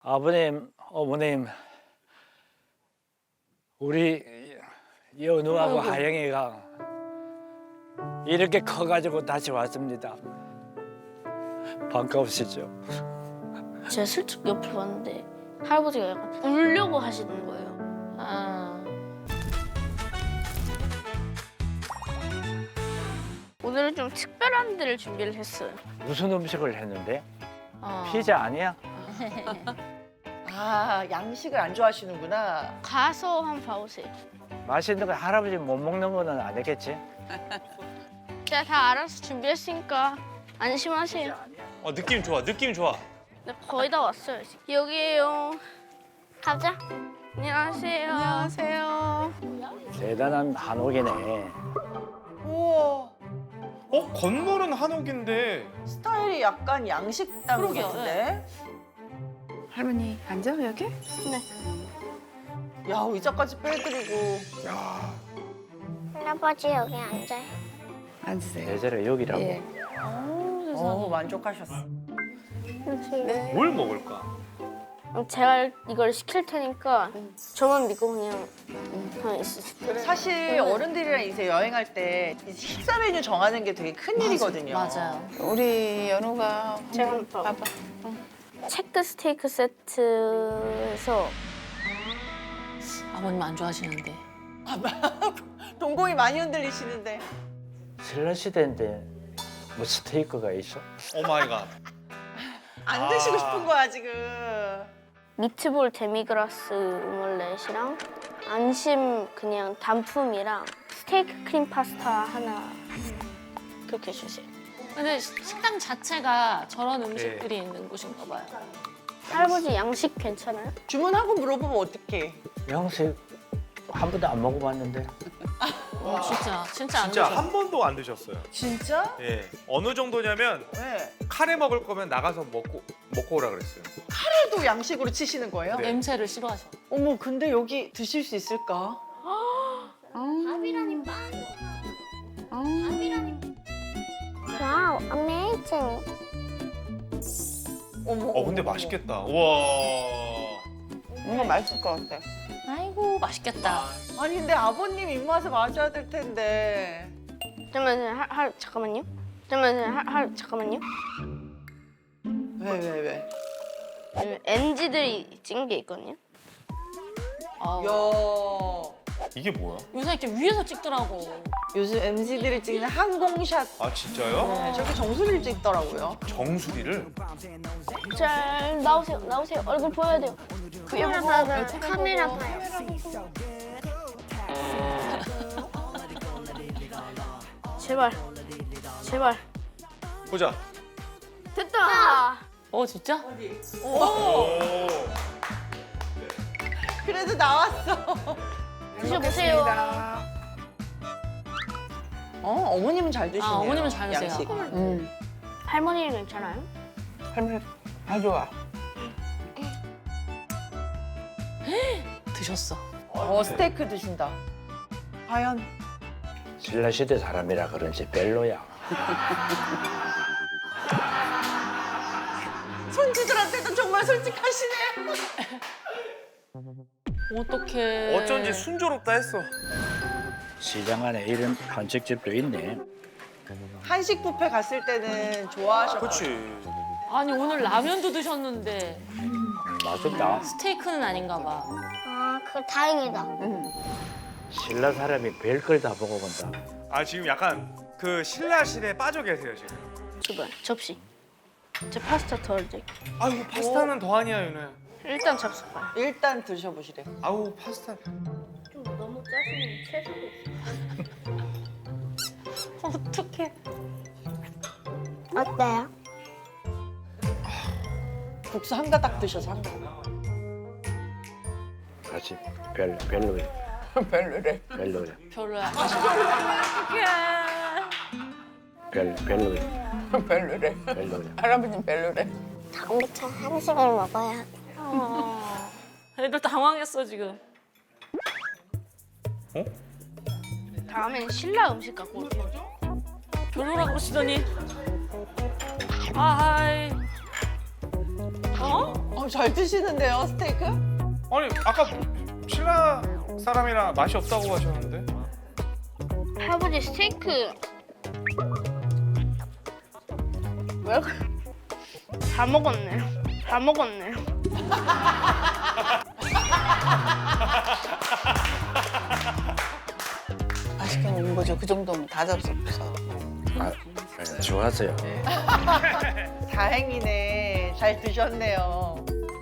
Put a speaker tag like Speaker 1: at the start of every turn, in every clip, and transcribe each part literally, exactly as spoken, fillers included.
Speaker 1: 아버님, 어머님, 우리 연우하고 하영이가 이렇게 커가지고 다시 왔습니다. 반가우시죠?
Speaker 2: 제가 슬쩍 옆을 봤는데 할아버지가 약간 울려고 하시는 거예요.
Speaker 3: 아,
Speaker 2: 오늘은 좀 특별한 데를 준비를 했어요.
Speaker 1: 무슨 음식을 했는데?
Speaker 3: 어.
Speaker 1: 피자 아니야?
Speaker 4: 아, 양식을 안 좋아하시는구나.
Speaker 2: 가서 한번 봐보세요.
Speaker 1: 맛있는 거 할아버지 못 먹는 거는 아니겠지?
Speaker 2: 제가 다 알아서 준비했으니까 안심하세요.
Speaker 5: 어 느낌 좋아 느낌 좋아.
Speaker 2: 네, 거의 다 왔어요. 여기에요. 가자. 안녕하세요.
Speaker 3: 안녕하세요.
Speaker 1: 대단한 한옥이네.
Speaker 4: 우와,
Speaker 5: 어 건물은 한옥인데
Speaker 4: 스타일이 약간 양식당
Speaker 3: 그러게요,
Speaker 4: 같은데?
Speaker 3: 할머니 앉아 여기?
Speaker 4: 야, 의자까지 빼드리고.
Speaker 6: 할아버지 여기 앉아요.
Speaker 3: 앉으세요.
Speaker 1: 예전에 여기라고.
Speaker 3: 예.
Speaker 4: 어, 만족하셨어.
Speaker 3: 네.
Speaker 5: 뭘 먹을까?
Speaker 2: 제가 이걸 시킬 테니까 저만 믿고 그냥 그냥 있으세요.
Speaker 4: 사실 어른들이랑 이제 여행할 때 이제 식사 메뉴 정하는 게 되게 큰 일이거든요.
Speaker 3: 맞아요. 우리 연우가
Speaker 2: 제가 한번 봐봐.
Speaker 3: 봐봐.
Speaker 2: 체크 스테이크 세트에서
Speaker 3: 아버님 안 좋아하시는데.
Speaker 4: 동공이 많이 흔들리시는데.
Speaker 1: 신라 시대인데 뭐 스테이크가 있어?
Speaker 5: 오 마이 갓.
Speaker 4: 안
Speaker 5: 아.
Speaker 4: 드시고 싶은 거야, 지금.
Speaker 2: 미트볼 데미그라스 오믈렛이랑 안심 그냥 단품이랑 스테이크 크림 파스타 하나 그렇게 주세요.
Speaker 3: 근데 시- 식당 자체가 저런 음식들이 있는 곳인가 봐요.
Speaker 2: 할아버지 양식 괜찮아요?
Speaker 4: 주문하고 물어보면 어떡해.
Speaker 1: 양식 한 번도 안 먹어봤는데.
Speaker 3: 어, 진짜 진짜 안
Speaker 5: 진짜
Speaker 3: 좋아.
Speaker 5: 한 번도 안 드셨어요.
Speaker 4: 진짜?
Speaker 5: 예. 어느 정도냐면
Speaker 4: 네.
Speaker 5: 카레 먹을 거면 나가서 먹고 먹고 오라 그랬어요.
Speaker 4: 또 양식으로 치시는 거예요?
Speaker 5: 네.
Speaker 3: 냄새를 싫어하셔.
Speaker 4: 어머, 근데 여기 드실 수 있을까?
Speaker 6: 밥이라니 빵. 밥이라니. 와우, amazing.
Speaker 4: 어머.
Speaker 5: 어 근데
Speaker 4: 어머,
Speaker 5: 맛있겠다. 우와.
Speaker 4: 뭔가 맛있을 것 같아.
Speaker 3: 아이고 맛있겠다.
Speaker 4: 아니, 근데 아버님 입맛에 맞아야 될 텐데.
Speaker 2: 잠깐만요. 할, 할, 잠깐만요. 잠깐만요. 할, 할, 잠깐만요.
Speaker 4: 왜, 왜, 왜?
Speaker 2: 엔지들이 찍은 게 있거든요.
Speaker 3: 어.
Speaker 4: 야,
Speaker 5: 이게 뭐야?
Speaker 3: 요새 이렇게 위에서 찍더라고.
Speaker 4: 요즘 엠지들이 찍는 항공샷.
Speaker 5: 아 진짜요?
Speaker 4: 네, 저렇게 정수리를 찍더라고요.
Speaker 5: 정수리를?
Speaker 2: 잘 나오세요. 나오세요. 얼굴 보여야 돼요.
Speaker 6: 카메라 봐봐요. 카메라 봐요.
Speaker 2: 제발. 제발.
Speaker 5: 보자.
Speaker 2: 됐다.
Speaker 3: 어 진짜?
Speaker 5: 오.
Speaker 4: 그래도 나왔어.
Speaker 2: 드셔보세요.
Speaker 4: 어, 어머님은 잘 드시네요.
Speaker 3: 아 어머님은 잘 드세요.
Speaker 4: 양식.
Speaker 3: 음.
Speaker 2: 할머니는 괜찮아요?
Speaker 4: 할머니 다 좋아.
Speaker 3: 드셨어.
Speaker 4: 어, 스테이크 드신다. 과연
Speaker 1: 신라 시대 사람이라 그런지 별로야.
Speaker 4: 손주들한테도 정말 솔직하시네.
Speaker 3: 어떡해.
Speaker 5: 어쩐지 순조롭다 했어.
Speaker 1: 시장 안에 이런 한식집도 있네.
Speaker 4: 한식 뷔페 갔을 때는 좋아하셨고.
Speaker 5: 그렇지.
Speaker 3: 아니 오늘 라면도 드셨는데
Speaker 1: 음, 맛있다.
Speaker 3: 스테이크는 아닌가 봐.
Speaker 6: 아, 그 다행이다.
Speaker 1: 신라 사람이 별걸 다 먹어본다.
Speaker 5: 아 지금 약간 그 신라실에 빠져 계세요 지금.
Speaker 2: 제발. 접시. 제 파스타 덜어드릴게요.
Speaker 5: 아유 파스타는 더 아니야 윤호야.
Speaker 2: 일단 잡숴봐요.
Speaker 4: 일단 드셔보시래.
Speaker 5: 아우 파스타.
Speaker 2: 좀 너무 짜증이 채소.
Speaker 3: 어떡해.
Speaker 6: 어때요?
Speaker 4: 국수 한 가닥 드셔서 한 가닥.
Speaker 1: 같이 별 별로야.
Speaker 4: 별로래.
Speaker 1: 별로야.
Speaker 3: 별로야. 어떡해.
Speaker 1: 별 별로야.
Speaker 4: 별로래.
Speaker 1: 별로야.
Speaker 4: 할아버님 별로래.
Speaker 6: 다음부터 한식을 먹어야
Speaker 3: 어. 애들 당황했어 지금.
Speaker 5: 어?
Speaker 2: 다음엔 신라 음식 갖고 올게요.
Speaker 3: 별로라 그러시더니. 아이.
Speaker 4: 어, 잘 드시는데요, 스테이크?
Speaker 5: 아니 아까 신라 사람이랑 맛이 없다고 하셨는데.
Speaker 2: 할아버지 스테이크 왜? 다 먹었네요. 다 먹었네요.
Speaker 4: 맛있게 먹은 거죠. 그 정도면 다 잡숴서.
Speaker 1: 아, 네, 좋았어요.
Speaker 4: 다행이네. 잘 드셨네요.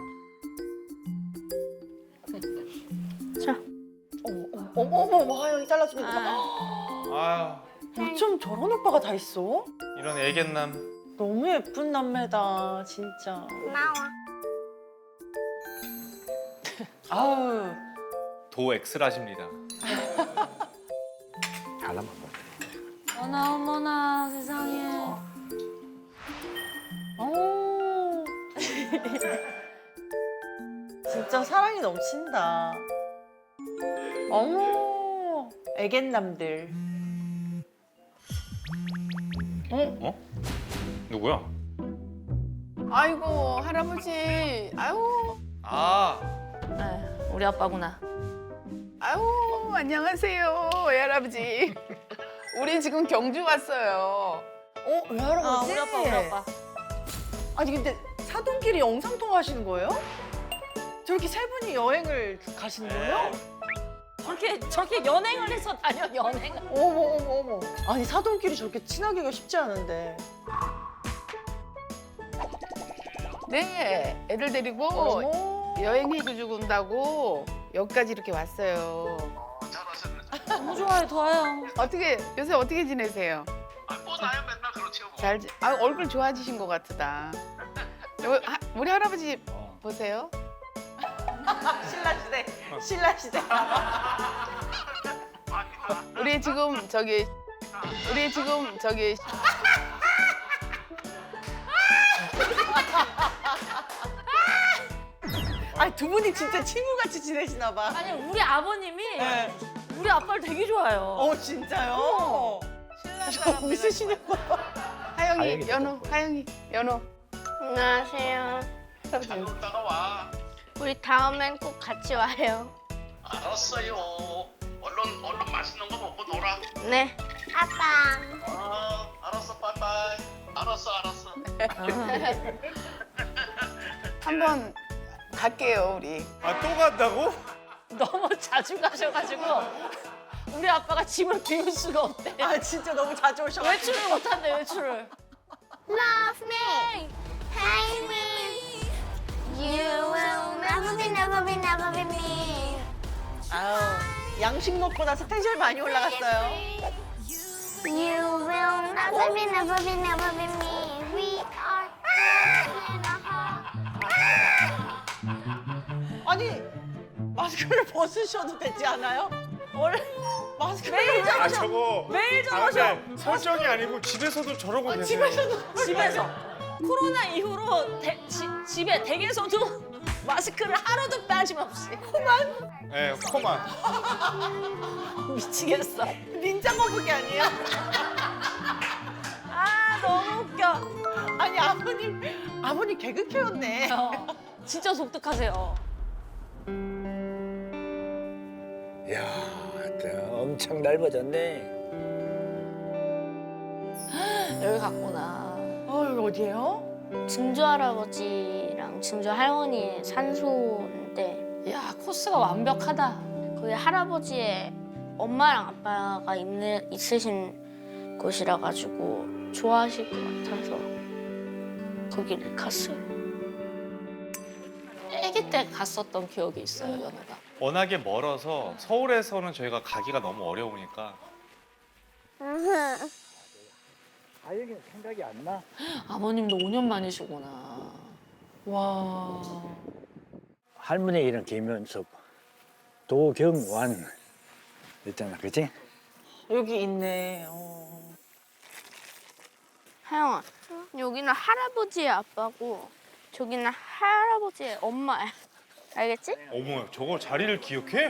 Speaker 2: 자.
Speaker 4: 어머, 어머, 어머, 어머, 하영이 잘라주면
Speaker 5: 아유
Speaker 4: 어쩜 저런 오빠가 다 있어?
Speaker 5: 이런 애견남.
Speaker 4: 너무 예쁜 남매다, 진짜.
Speaker 6: 나와.
Speaker 4: 아우.
Speaker 5: 도 엑스라십니다.
Speaker 1: 하나만 먹어.
Speaker 3: 어머나 어머나 세상에.
Speaker 4: 오. 진짜 사랑이 넘친다. 어머. 애견남들.
Speaker 5: 어? 누구야?
Speaker 7: 아이고 할아버지 아유
Speaker 5: 아
Speaker 3: 에휴, 우리 아빠구나.
Speaker 7: 아유 안녕하세요 외할아버지 우리 지금 경주 왔어요.
Speaker 4: 어, 왜 할아버지?
Speaker 3: 아 우리 아빠 우리 아빠.
Speaker 4: 아니 근데 사돈끼리 영상 통화하시는 거예요? 저렇게 세 분이 여행을 가시는 거예요?
Speaker 3: 저렇게 저렇게 연행을 해서 다녀 연행을.
Speaker 4: 어머 어머 어머. 아니 사돈끼리 저렇게 친하기가 쉽지 않은데.
Speaker 7: 네 애들 데리고
Speaker 4: 어머.
Speaker 7: 여행해주고 온다고 여기까지 이렇게 왔어요.
Speaker 3: 너무 좋아요 좋아요.
Speaker 7: 어떻게 요새 어떻게 지내세요?
Speaker 8: 뭐 나야 맨날 그렇지요 뭐.
Speaker 7: 잘 지- 아, 얼굴 좋아지신 것 같다. 요- 하- 우리 할아버지 보세요.
Speaker 4: 신라 시대. 신라 시대.
Speaker 7: 우리 지금 저기 우리 지금 저기
Speaker 4: 아니 두 분이 진짜 친구같이 지내시나 봐.
Speaker 3: 아니 우리 아버님이
Speaker 4: 네.
Speaker 3: 우리 아빠를 되게 좋아해요.
Speaker 4: 어 진짜요? 저 웃으시는 거 봐.
Speaker 7: 하영이
Speaker 1: 다행이다.
Speaker 7: 연호 하영이 연호
Speaker 2: 안녕하세요.
Speaker 8: 잘 놀다가 와.
Speaker 2: 우리 다음엔 꼭 같이 와요.
Speaker 8: 알았어요. 얼른 얼른 맛있는 거 먹고 놀아.
Speaker 2: 네.
Speaker 6: 아빠.
Speaker 8: 어, 알았어, 빠이빠이. 알았어, 알았어.
Speaker 7: 한번 갈게요 우리.
Speaker 5: 아 또 간다고?
Speaker 3: 너무 자주 가셔가지고 우리 아빠가 짐을 비울 수가 없대.
Speaker 4: 아 진짜 너무 자주 오셔가지고.
Speaker 3: 외출을 못한대 외출을.
Speaker 6: Love me. Hate me. You will never be, never be, never be me.
Speaker 4: 아유 양식 먹고 나서 텐션이 많이 올라갔어요.
Speaker 6: You will never be, never be, never be me. We are in a heart.
Speaker 4: 아니 마스크를 벗으셔도 되지 않아요? 원래 마스크를
Speaker 3: 매일
Speaker 4: 왜-
Speaker 5: 아 저거
Speaker 3: 매일
Speaker 5: 아,
Speaker 3: 저러셔.
Speaker 5: 근데 설정이 아니고 집에서도 저러고 계세요.
Speaker 4: 집에서도
Speaker 3: 집에서 코로나 이후로 대- 지- 집에 댁에서도 마스크를 하루도 빠짐없이.
Speaker 5: 네, 코만.
Speaker 3: 미치겠어.
Speaker 4: 닌자 거북이 아니에요?
Speaker 3: 아 너무 웃겨.
Speaker 4: 아니 아버님 아버님 개그 캐였네.
Speaker 3: 어, 진짜 독특하세요.
Speaker 1: 이야, 엄청 넓어졌네.
Speaker 3: 여기 갔구나.
Speaker 4: 어 여기 어디예요?
Speaker 2: 증조 할아버지랑 증조 할머니의 산소인데
Speaker 3: 야 코스가 완벽하다.
Speaker 2: 거기 할아버지의 엄마랑 아빠가 있는, 있으신 곳이라 가지고 좋아하실 것 같아서 거기를 갔어요.
Speaker 3: 아기 때 갔었던 기억이 있어요 연우가.
Speaker 5: 워낙에 멀어서 서울에서는 저희가 가기가 너무 어려우니까.
Speaker 1: 아영이는 생각이 안 나?
Speaker 3: 아버님도 오 년 만이시구나.
Speaker 4: 와.
Speaker 1: 할머니 이름 김현숙, 도경완 있잖아, 그치?
Speaker 4: 여기 있네. 어.
Speaker 2: 하영아, 여기는 할아버지의 아빠고 저기는 할아버지의 엄마야. 알겠지?
Speaker 5: 어머, 저거 자리를 기억해?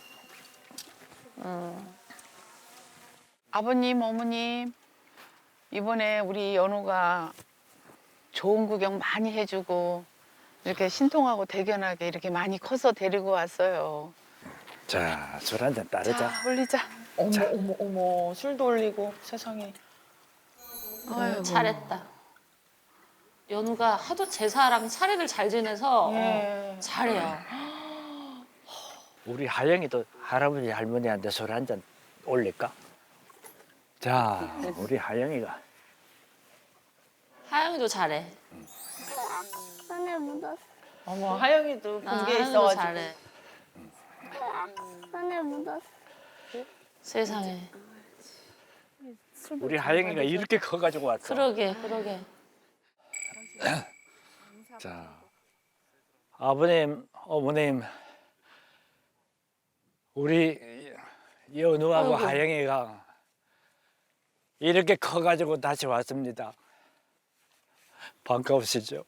Speaker 7: 아버님 어머님 이번에 우리 연우가 좋은 구경 많이 해주고 이렇게 신통하고 대견하게 이렇게 많이 커서 데리고 왔어요.
Speaker 1: 자, 술 한 잔 따르자.
Speaker 7: 올리자.
Speaker 4: 어머 어머 어머 술도 올리고 세상에.
Speaker 7: 아이고.
Speaker 3: 잘했다. 연우가 하도 제사랑 차례를 잘 지내서
Speaker 4: 예.
Speaker 3: 어, 잘해요.
Speaker 1: 우리 하영이도 할아버지 할머니한테 술 한 잔 올릴까? 자, 우리 하영이가
Speaker 3: 하영이도 잘해.
Speaker 6: 손에 묻었어.
Speaker 4: 어머 하영이도
Speaker 3: 아,
Speaker 4: 본 게
Speaker 3: 하영이도
Speaker 4: 있어가지고.
Speaker 3: 잘해.
Speaker 6: 손에 묻었어.
Speaker 3: 세상에.
Speaker 1: 우리 하영이가 이렇게 커가지고 왔어.
Speaker 3: 그러게, 그러게.
Speaker 1: 자, 아버님, 어머님, 우리 연우하고
Speaker 3: 아이고.
Speaker 1: 하영이가 이렇게 커가지고 다시 왔습니다. 반가우시죠?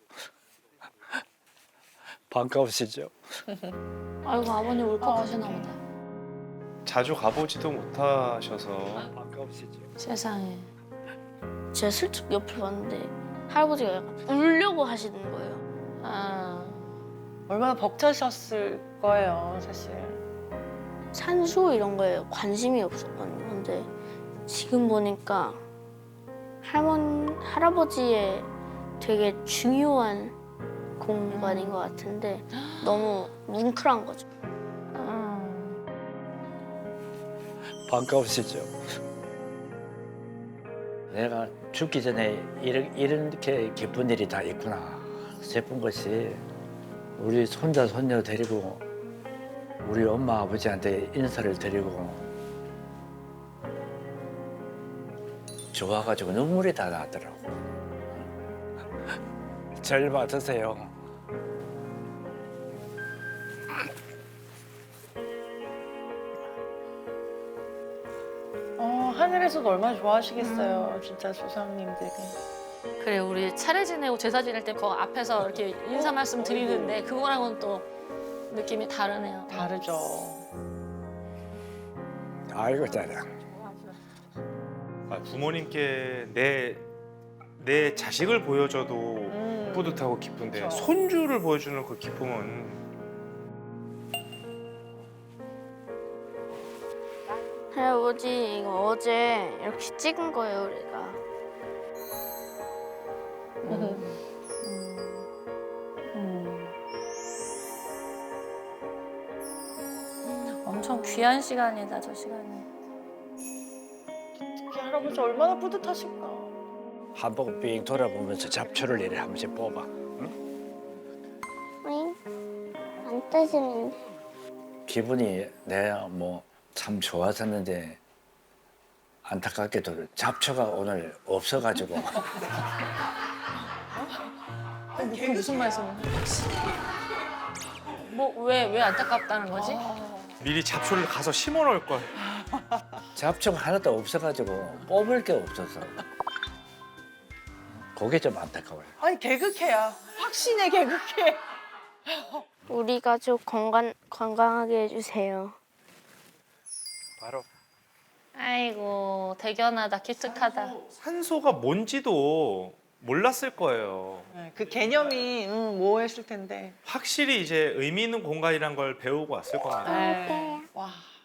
Speaker 1: 반가우시죠?
Speaker 3: 아이고 아버님 울컥하시나 보다.
Speaker 5: 자주 가보지도 못하셔서
Speaker 1: 반가우시죠?
Speaker 3: 세상에.
Speaker 2: 제가 슬쩍 옆을 봤는데 할아버지가 약간 울려고 하시는 거예요.
Speaker 3: 아,
Speaker 4: 얼마나 벅차셨을 거예요 사실.
Speaker 2: 산수 이런 거에 관심이 없었거든요. 근데 지금 보니까 할머니, 할아버지의 되게 중요한 공간인 것 같은데 너무 뭉클한 거죠.
Speaker 1: 반가우시죠? 내가 죽기 전에 이런, 이렇게 기쁜 일이 다 있구나 싶은 것이 우리 손자 손녀 데리고 우리 엄마 아버지한테 인사를 드리고 좋아가지고 눈물이 다 나더라고. 절 받으세요.
Speaker 4: 어 하늘에서도 얼마나 좋아하시겠어요 진짜 조상님들이.
Speaker 3: 그래 우리 차례 지내고 제사 지낼 때 그 앞에서 이렇게 인사 말씀 드리는데 그거랑은 또 느낌이 다르네요.
Speaker 4: 다르죠.
Speaker 1: 아이고 잘해.
Speaker 5: 아, 부모님께 내, 내 자식을 보여줘도
Speaker 4: 음.
Speaker 5: 뿌듯하고 기쁜데
Speaker 4: 그쵸.
Speaker 5: 손주를 보여주는 그 기쁨은
Speaker 2: 할아버지 이거 어제 이렇게 찍은 거예요 우리가.
Speaker 3: 엄청 귀한 시간이다 저 시간이.
Speaker 4: 특히 할아버지 얼마나 뿌듯하실까.
Speaker 1: 한 번 삥 돌아보면서 잡초를 이래 한 번씩 뽑아.
Speaker 6: 응? 안 떠지는데.
Speaker 1: 기분이 내가 뭐 참 좋았었는데 안타깝게도 잡초가 오늘 없어가지고
Speaker 3: 무슨 무슨 말씀이야? 뭐왜 왜 안타깝다는 거지?
Speaker 5: 미리 잡초를 가서 심어 놓을 걸.
Speaker 1: 잡초가 하나도 없어가지고 뽑을 게 없어서 그게 좀 안타까워요.
Speaker 4: 아니 개그캐야. 확신의 개그캐.
Speaker 2: 우리 가족 건강 건강하게 해주세요.
Speaker 1: 바로
Speaker 3: 아이고 대견하다 기특하다.
Speaker 5: 산소가 뭔지도 몰랐을 거예요.
Speaker 4: 네, 그 개념이 음, 모호했을 텐데.
Speaker 5: 확실히 이제 의미 있는 공간이란 걸 배우고 왔을 겁니다.
Speaker 4: 네. 와.